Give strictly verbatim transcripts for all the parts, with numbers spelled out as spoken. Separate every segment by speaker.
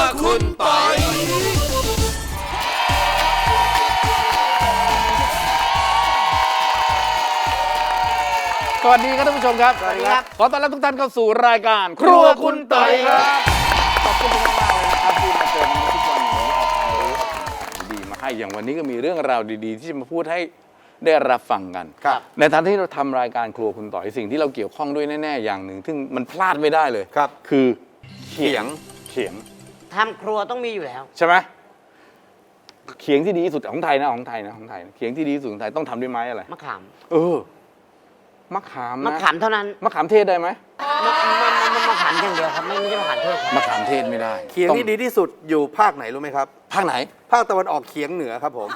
Speaker 1: คุณปอยสวัสดีครับท่านผู้ชมครับ
Speaker 2: สวัสดีครับ
Speaker 1: ขอต้อนรับทุกท่านเข้าสู่รายการครัวคุณปอยครับขอบคุณมากๆเลยนะครับที่มาเจอกันทุกวันนี้เอาความรู้เอาความดีมาให้อย่างวันนี้ก็มีเรื่องราวดีๆที่จะมาพูดให้ได้รับฟังกัน
Speaker 2: ครับ
Speaker 1: ในฐานะที่เราทำรายการครัวคุณต่อยสิ่งที่เราเกี่ยวข้องด้วยแน่ๆอย่างหนึ่งซึ่งมันพลาดไม่ได้เลย
Speaker 2: ครับ
Speaker 1: คือเขียงเขียง
Speaker 3: ทำครัวต้องมีอยู่แล้ว
Speaker 1: ใช่ไหมเขียงที่ดีที่สุดของไทยนะของไทยนะของไทยนะเขียงที่ดีที่สุดของไทยต้องทำด้วยไม้อะไร
Speaker 3: มะขาม
Speaker 1: เออมะขาม
Speaker 3: มะ
Speaker 1: นะ
Speaker 3: ขามเท่านั้น
Speaker 1: มะขามเทศได้ไหม
Speaker 3: มะมะมะมะขามอย่างเดียวครับ ไม่ไม่ใช่มะขามเทศครับ
Speaker 1: มะขามเทศไม่ได้
Speaker 2: เขียงที่ดีที่สุดอยู่ภาคไหนรู้ไหมครับ
Speaker 1: ภาคไหน
Speaker 2: ภาคตะวันออกเฉียงเหนือครับผม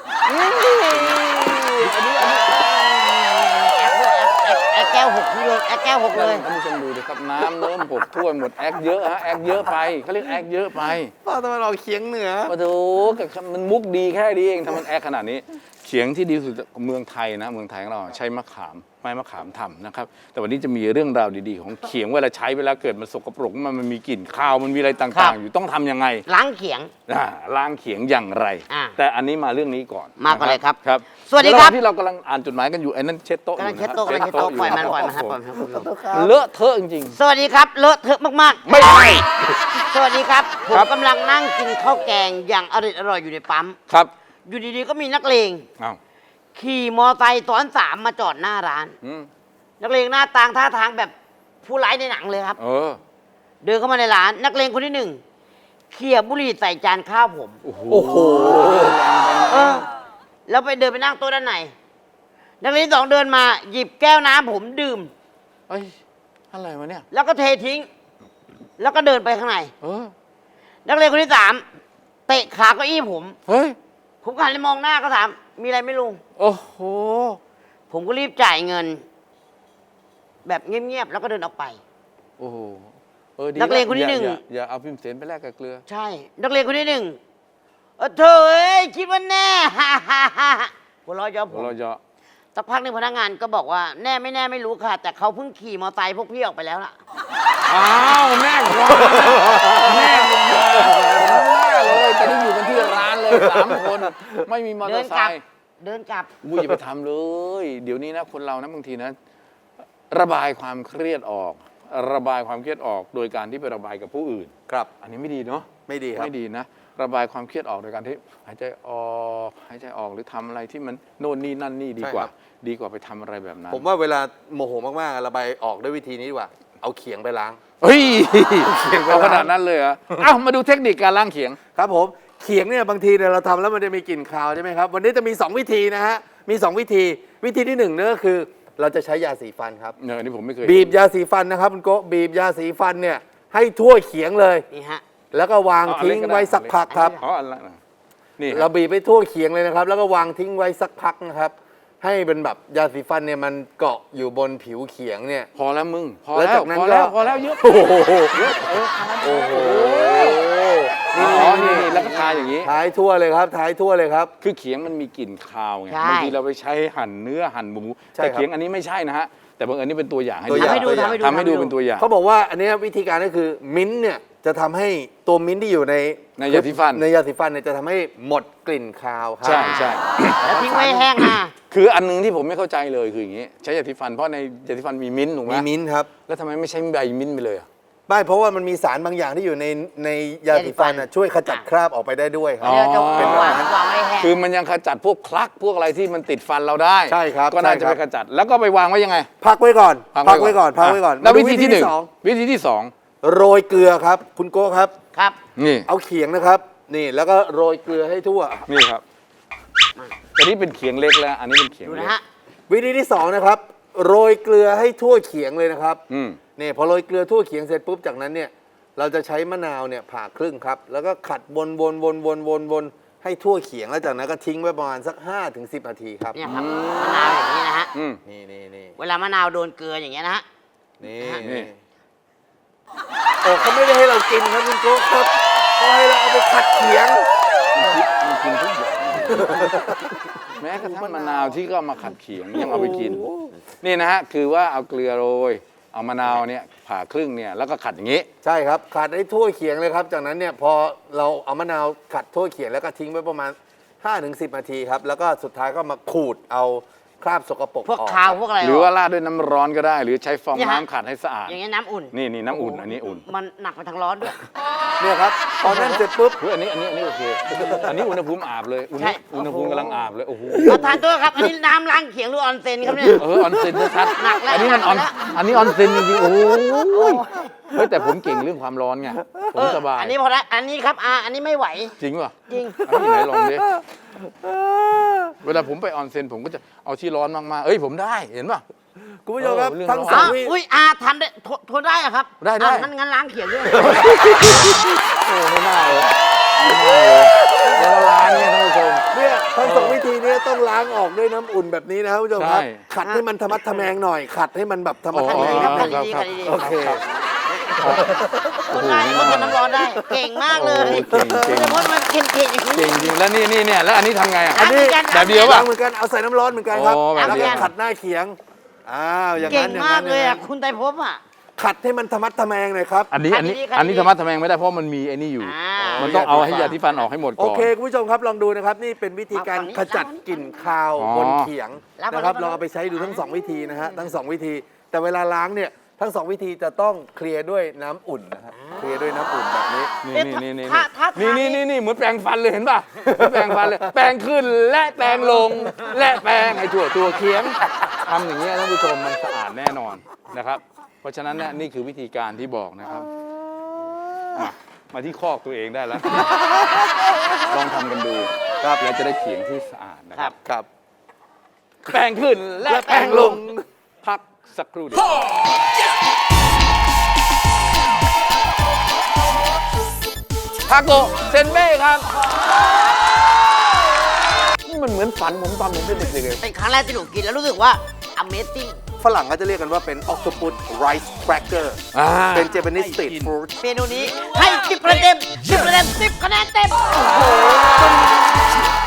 Speaker 3: แอคแก้วหกเลยแอคแก้วหกเลย
Speaker 1: ท่านผู้ชมดูดิครับน้ำเนิ่มหกถ้วยหมดแอคเยอะฮะแอคเยอะไปเขาเรียกแอคเยอะไป
Speaker 2: ภาคตะวันออกเฉียงเหนือ
Speaker 1: โอ้โหมันมุกดีแค่นี้เองทำมันแอคขนาดนี้เขียงที่ดีที่สุดเมืองไทยนะเมืองไทยของเราใช้มะขามไม้มะขามทำนะครับแต่วันนี้จะมีเรื่องราวดีๆของเขียงเวลาใช้เวลาเกิดมันสกปรกมันมันมีกลิ่นคาวมันมีอะไร
Speaker 3: ครั
Speaker 1: ต่าง
Speaker 3: บ
Speaker 1: ๆ อยู่ต้องทำยังไง
Speaker 3: ล้างเขียง
Speaker 1: อ่าล้างเขียงอย่างไร
Speaker 3: อ่า
Speaker 1: แต่อันนี้มาเรื่องนี้ก่อน
Speaker 3: มาก่อนเลยครับ
Speaker 1: ครับ
Speaker 3: สวัสดีครับ
Speaker 1: ะหางที่เรากำลังอ่านจดหมายกันอยู่ไอ้นั่นเช็ดโต๊ะ
Speaker 3: กำลัง
Speaker 1: อยู่
Speaker 3: เช็ด
Speaker 1: นะ
Speaker 3: โต๊ะกำลังเช็ดโต๊ะ
Speaker 1: ยู่
Speaker 3: ปล่อยมันปล่อยมันครับปล่อยมันครับ
Speaker 1: มันเลอะเทอะจริง
Speaker 3: สวัสดีครับ เลอะเทอะมากๆ
Speaker 1: ไม่ได้
Speaker 3: สวัสดีครับผ
Speaker 1: ครั
Speaker 3: ม
Speaker 1: บ
Speaker 3: กำลังนั่งกินข้าวแกงอย่างอร่อยอร่อยอยู่ในปั๊ม
Speaker 1: ๆครับ
Speaker 3: อยู่ดีๆก็มีนักเลง
Speaker 1: อ้าว
Speaker 3: ขี่มอไซค์ซ้อนสามมาจอดหน้าร้าน
Speaker 1: อืม
Speaker 3: นักเลงหน้าตางท่าทางแบบผู้ร้ายในหนังเลยครับ
Speaker 1: เออ
Speaker 3: เดินเข้ามาในร้าน นักเลงคนที่หนึ่งเขี่ยบุหรี่ใส่จานข้าวผม
Speaker 1: โอ้โห
Speaker 2: โอ้โห
Speaker 3: เออ แล้วไปเดินไปนั่งโต๊ะด้านในนักเรียนที่สองเดินมาหยิบแก้วน้ำผมดื่ม
Speaker 1: เอ้ยอะไรวะเนี่ย
Speaker 3: แล้วก็เททิ้ง แล้วก็เดินไปข้างใน
Speaker 1: เออ
Speaker 3: นักเรียนคนที่สามเตะขาเก้าอี้ผม
Speaker 1: เฮ้ย
Speaker 3: ผมหันไปมองหน้าก็ถาม มีอะไรไม่ลุง
Speaker 1: โอ้โห
Speaker 3: ผมก็รีบจ่ายเงิน แบบเงียบๆแล้วก็เดินออกไป
Speaker 1: โอ้โหเออดี
Speaker 3: นักเลงคนที่หนึ่ง
Speaker 1: อย่าอย่าอย่าเอาพิมพ์เสนไปแลกกับเกลือ
Speaker 3: ใช่ นักเรียนคนที่หนึ่งเออเธอเอ้ยคิดว่าแน่ ฮ่าฮ่าฮ่าหัวเราะเย้อผ
Speaker 1: หัว
Speaker 3: ม
Speaker 1: เราะเยาะ
Speaker 3: สักพักหนึงพนักงานก็บอกว่าแน่ไม่แน่ไม่รู้ค่ะ แต่เขาเพิ่งขี่มอเตอร์ไซค์พวกพี่ออกไปแล้วล่ะ
Speaker 1: อ้าวแม่ควายแม่มึงมาแม่เลยแต่นี่อยู่กันที่ร้านเลยสามคนไม่มีมอเต
Speaker 3: เดิ
Speaker 1: อน ร์ไซ
Speaker 3: กลับ
Speaker 1: ค์
Speaker 3: เดินกลับ
Speaker 1: อุ้ยอย่าไปทำเลย เดี๋ยวนี้นะคนเรานะบางทีนะ ระบายความเครียดออก ระบายความเครียดออกโดยการที่ไประบายกับผู้อื่น
Speaker 2: ครับ
Speaker 1: อันนี้ไม่ดีเนาะ
Speaker 2: ไม่ดีครับ
Speaker 1: ไม่ดีนะ ระบายความเครียดออกโดยการที่หายใจออกหายใจออกหรือทำอะไรที่มันโน่นนี่นั่นนี่ดีกว่า
Speaker 2: ใช่ครับ
Speaker 1: ดีกว่าไปทำอะไรแบบนั้น
Speaker 2: ผมว่าเวลาโมโหมากๆระบายออกด้วยวิธีนี้ดีกว่า เอาเขียงไปล้าง
Speaker 1: เฮ้ยเอาขนาดนั้นเลยเหรอเอ้ามาดูเทคนิคการล้างเขียง
Speaker 2: ครับผมเขียงเนี่ยบางทีเนี่ยเราทำแล้วมันจะมีกลิ่นคาวใช่ไหมครับวันนี้จะมีสองวิธีนะฮะมีสองวิธีวิธีที่หนึ่งเนี่ยก็คือ เราจะใช้ยาสีฟันครับ
Speaker 1: เนี่ยอันนี้ผมไม่เคย
Speaker 2: บีบยาสีฟันนะครับคุณโกะบีบยาสีฟันเนี่ยให้ทั่วเขียงเลย
Speaker 3: นี่ฮะ
Speaker 2: แล้วก็วางทิ้งไว้สักพักครับ
Speaker 1: อ๋ออันละนะนี่
Speaker 2: เราบีบไปทั่วเขียงเลยนะครับ แล้วก็วางทิ้งไว้สักพักนะครับ ให้เป็นแบบยาสีฟันเนี่ยมันเกาะอยู่บนผิวเขียงเนี่ย
Speaker 1: พอแล้วมึง พอ
Speaker 2: แล้ว
Speaker 1: แล้ว
Speaker 2: จากนั้น
Speaker 1: พอแล้ว
Speaker 2: ก็
Speaker 1: พอแล้วเยอะ
Speaker 2: โอ้โห
Speaker 1: เยอะเออ
Speaker 2: โอ้โห
Speaker 1: อ๋อนี่นี่แล้วก็ทาอย่างนี้
Speaker 2: ท้ายทั่วเลยครับท้ายทั่วเลยครับ
Speaker 1: คือเขียงมันมีกลิ่นคาวไง
Speaker 3: ใช่
Speaker 1: บางทีเราไปใช้หั่นเนื้อหั่นหมู
Speaker 2: ใช่
Speaker 1: แต่
Speaker 2: ครับ
Speaker 1: เขียงอันนี้ไม่ใช่นะฮะแต่บางอันนี้เป็นตัวอย่างให้
Speaker 2: ตัวอย่าง
Speaker 3: ทำให้ดูทำให้ดู
Speaker 1: ทำให้ดูเป็นตัวอย่าง
Speaker 2: เขาบอกว่าอันเนี้ยวิธีการก็คือมิ้นท์เนี่ยจะทำให้ตัวมิ้นท์ที่อยู่ใน
Speaker 1: ในยาสีฟัน
Speaker 2: ในยาสีฟันเนี่ยจะทำให้หมดกลิ่นคาวครับ
Speaker 1: ใช่ใช่
Speaker 3: แล้วทิ้งไว้ให้แห้งนะ
Speaker 1: คืออันหนึงที่ผมไม่เข้าใจเลยคืออย่างนี้ ใช้ยาสีฟันเพราะในยาสีฟันมีมิ้นท์ถูกไหม
Speaker 2: มีมิ้นท์ครับ
Speaker 1: แล้วทำไมไม่ใช้ใบมิ้นท์ไปเลยอะ
Speaker 2: ไม่เพราะว่ามันมีสารบางอย่างที่อยู่ในในยาสีฟันน่ะช่วยขจัดคราบออกไปได้ด้วยครั
Speaker 1: อ๋
Speaker 2: บ
Speaker 1: อ
Speaker 3: เดี๋ยวจะวางวางไว้ให้แห้ง
Speaker 1: คือมันยังขจัดพวกคลักพวกอะไรที่มันติดฟันเราได้
Speaker 2: ใช่ครับ
Speaker 1: ก็น่าจะ
Speaker 2: ใช่
Speaker 1: ไป
Speaker 2: ครับ
Speaker 1: ขจัดแล้วก็ไปวางไว้ยังไง
Speaker 2: พักไว้ก่อนพักไว้ก่อนพักไว้ก่อน
Speaker 1: แล้ว
Speaker 2: มาดู
Speaker 1: วิธีที่หนึ่ง
Speaker 2: สอง
Speaker 1: วิธีที่สอง
Speaker 2: โรยเกลือครับ คุณโก้ครับ
Speaker 3: ครับ
Speaker 1: นี่
Speaker 2: เอาเขียงนะครับ นี่แล้วก็โรยเกลือให้ทั่ว
Speaker 1: นี่ครับอันนี้เป็นเขียงเล็กแล้ว อันนี้เป็นเขียง
Speaker 3: ดู
Speaker 1: เล็
Speaker 3: นะ
Speaker 1: ก
Speaker 3: ฮะ
Speaker 2: วิธีที่สองนะครับ โรยเกลือให้ทั่วเขียงเลยนะครับ
Speaker 1: อืม
Speaker 2: นี่พอโรยเกลือทั่วเขียงเสร็จปุ๊บจากนั้นเนี่ยเราจะใช้มะนาวเนี่ยผ่าครึ่งครับ แล้วก็ขัดวนวนวนวนวนวนให้ทั่วเขียงแล้วจากนั้นก็ทิ้งไว้ประมาณสักห้าถึงสิบนาทีครับ
Speaker 3: เนี่ยครับมะนาวอย่างนี้นะฮะ
Speaker 1: อืม
Speaker 2: นี่นี่นี่
Speaker 3: เวลามะนาวโดนเกลืออย่างเงี้ยนะฮะ
Speaker 2: นี่
Speaker 1: นี่
Speaker 2: นี่โอ้เขาไม่ได้ให้เรากินครับคุณโก้ครับเขาให้เราเอาไปขัดเขียง
Speaker 1: มันกินทุกอย่างแม้กระทั่งมะนาวที่ก็เอามาขัดเขียงยังเอาไปกิน นี่นะฮะคือว่าเอาเกลือโรยเอามะนาวเนี่ยผ่าครึ่งเนี่ยแล้วก็ขัดอย่างนี้
Speaker 2: ใช่ครับขัดให้ทั่วเขียงเลยครับจากนั้นเนี่ยพอเราเอามะนาวขัดทั่วเขียงแล้วก็ทิ้งไว้ประมาณ ห้าถึงสิบ นาทีครับแล้วก็สุดท้ายก็มาขูดเอาคราบสกปรก
Speaker 3: พวก
Speaker 2: ออก
Speaker 3: คาวพวกอะไร
Speaker 1: หรือว่าราดด้วยน้ำร้อนก็ได้ หรือใช้ฟอง
Speaker 3: เนี่ยฮะ
Speaker 1: น้ำขัดให้สะอาด
Speaker 3: อย่างเงี้ยน้ำอุ่น
Speaker 1: นี่นี่น้ำอุ่นอันนี้อุ่น
Speaker 3: มันหนักไปทางร้อนด้วย
Speaker 2: เนี่ยครับพอนั่นเสร็จปุ๊บ
Speaker 1: เฮ้ยอันนี้อันนี้อันนี้โอเค อันนี้อุณหภูมิอาบเลยอุณห
Speaker 3: ใช่
Speaker 1: อุณหภูมิกำลังอาบเลยโอ้โห
Speaker 3: ประธานตัวครับ อันนี้น้ำล้างเขียงหรือออนเซ็นครับเนี่ย
Speaker 1: เออออนเซ็นชัด
Speaker 3: หนักแล้ว
Speaker 1: อันนี้มันออน
Speaker 3: หนักแล้ว
Speaker 1: อันนี้ออนเซ็นจริงๆโอ้โหเฮ้ยแต่ผมเก่งเรื่องความร้อนไงผมสบาย
Speaker 3: อันนี้พอละอันนี้ครับอาอันนี้ไม่ไหว
Speaker 1: จริงป่ะ
Speaker 3: จริง
Speaker 1: อันนี้ไหนลองดิเวลาผมไปออนเซ็นผมก็จะเอาที่ร้อนมากๆเอ้ยผมได้เห็นป่ะ
Speaker 2: คุณผู้ชมครับ
Speaker 1: เออเรื่อง
Speaker 2: ทั้ง
Speaker 1: ร้อน
Speaker 2: สอง
Speaker 3: อ่ะ
Speaker 2: วิ
Speaker 3: อุ้ยอาทำได้ทนทนได้อะครับ
Speaker 1: ได้ได้
Speaker 3: อ่ะงั้นงั้นล้างเขียงด้วย
Speaker 1: โอ้ไม่น่าเลยไม่น่าเลยแล้วร้านเนี่ยท่านผู้ชม
Speaker 2: เนี่ยทั้งสองวิธีเนี้ต้องล้างออกด้วยน้ำอุ่นแบบนี้นะครับคุณผู้ชมครับ
Speaker 1: ใช่
Speaker 2: ขัดให้มันธรรมัดทะแมงหน่อย ขัดให้มันแบบธรรมัดทะ
Speaker 1: อ๋
Speaker 2: แม
Speaker 1: อ
Speaker 2: ง
Speaker 3: ครับ
Speaker 2: นิด
Speaker 3: ขั
Speaker 2: นึ
Speaker 3: ด
Speaker 2: ง
Speaker 3: ดีๆขัดดี
Speaker 2: โอเค
Speaker 3: ๆทนได้ทนน้ำร้อนได้ เก่งมากเลย
Speaker 1: โอ้เก่งเก่ง
Speaker 3: แต่ว่ามันเค็มๆอย่างนี้
Speaker 1: จริงจริงๆแล้วนี่นี่เนี่ยแล้วอันนี้ทำไงอ่ะ
Speaker 3: อันนี้
Speaker 1: แบบเดียว
Speaker 2: ล้า
Speaker 1: ป่ะ
Speaker 2: งเหมือนกันเอาใส่น้ำร้อนเหมือนกันครับ
Speaker 1: อ๋อแบบ
Speaker 2: แล้ว
Speaker 1: เดี
Speaker 2: ก็
Speaker 1: ยว
Speaker 2: ขัดหน้าเขียงอ้าวอย่าง
Speaker 3: เก่
Speaker 2: นั้
Speaker 3: ง
Speaker 2: นอย่าง
Speaker 3: มา
Speaker 2: นั้
Speaker 3: ก
Speaker 2: น
Speaker 3: เลย
Speaker 2: อย่าง
Speaker 3: อ่ะ
Speaker 2: นั้น
Speaker 3: คุณไตรภพอ่ะ
Speaker 2: ขัดให้มันธรรมัดทะแมงหน่อยครับ
Speaker 1: อันนี้อันนี้
Speaker 3: ขัดดีๆ
Speaker 1: อันนี้ธรรมะทำแมงไม่ได้เพราะมันมีไอ้นี่อยู่
Speaker 3: อ่า
Speaker 1: มันต้องเอาให้ยาที่ฟันออกให้หมด
Speaker 2: โอ
Speaker 1: ก่อน
Speaker 2: เคคุณผู้ชมครับลองดูนะครับนี่เป็นวิธีการ
Speaker 3: มาฝั่งนี้
Speaker 2: ขจัดกลิ่นคาว
Speaker 1: อ๋อ
Speaker 2: บนเขียง
Speaker 3: รับมา
Speaker 2: นะครับ
Speaker 3: รับมา
Speaker 2: ลองเอาไปใช้ดูทั้งสองวิธีนะฮะทั้งสองวิธี แต่เวลาล้างเนี่ยทั้งสองวิธีจะต้องเคลียร์ด้วยน้ำอุ่นนะครับเคลียร์ด้วยน้ำอุ่นแบบนี้
Speaker 1: นี่
Speaker 3: เอ๊ะ
Speaker 1: นี่นี่
Speaker 3: ถ้าถ้า
Speaker 1: นี่
Speaker 3: ทา
Speaker 1: นี่
Speaker 3: นี่
Speaker 1: นี่นี่เหมือนแปรงฟันเลยเห็นป่ะเหมือนแปรงฟันเลย แปรงขึ้นและแปรงลง และแปรงให้ทั่วตัวเคียงทำอย่างนี้ยท่านผู้ชมมันสะอาดแน่นอนนะครับ เพราะฉะนั้นเนี่ยนี่คือวิธีการที่บอกนะครับมามาที่คอกตัวเองได้แล้ว ลองทำกันดูครับแล้วจะได้เขียงที่สะอาดนะครับ
Speaker 2: ครับ
Speaker 1: แปรงขึ้นและแปรงลง พักสักครู่เดียวทาโกะเซนเบ้ครับนี่มันเหมือนฝันผมตอนผมเป็นเด็กๆเลย
Speaker 3: เป็นครั้งแรกที่หนูกินแล้วรู้สึกว่า Amazing
Speaker 2: ฝรั่งก็จะเรียกกันว่าเป็น octopus rice cracker
Speaker 1: อ่า
Speaker 2: เป็น Japanese street food
Speaker 3: เมนูนี้ให้สิบคะแนนเต็มสิบคะแนนเต็มคะแนนเต็ม โอ้โห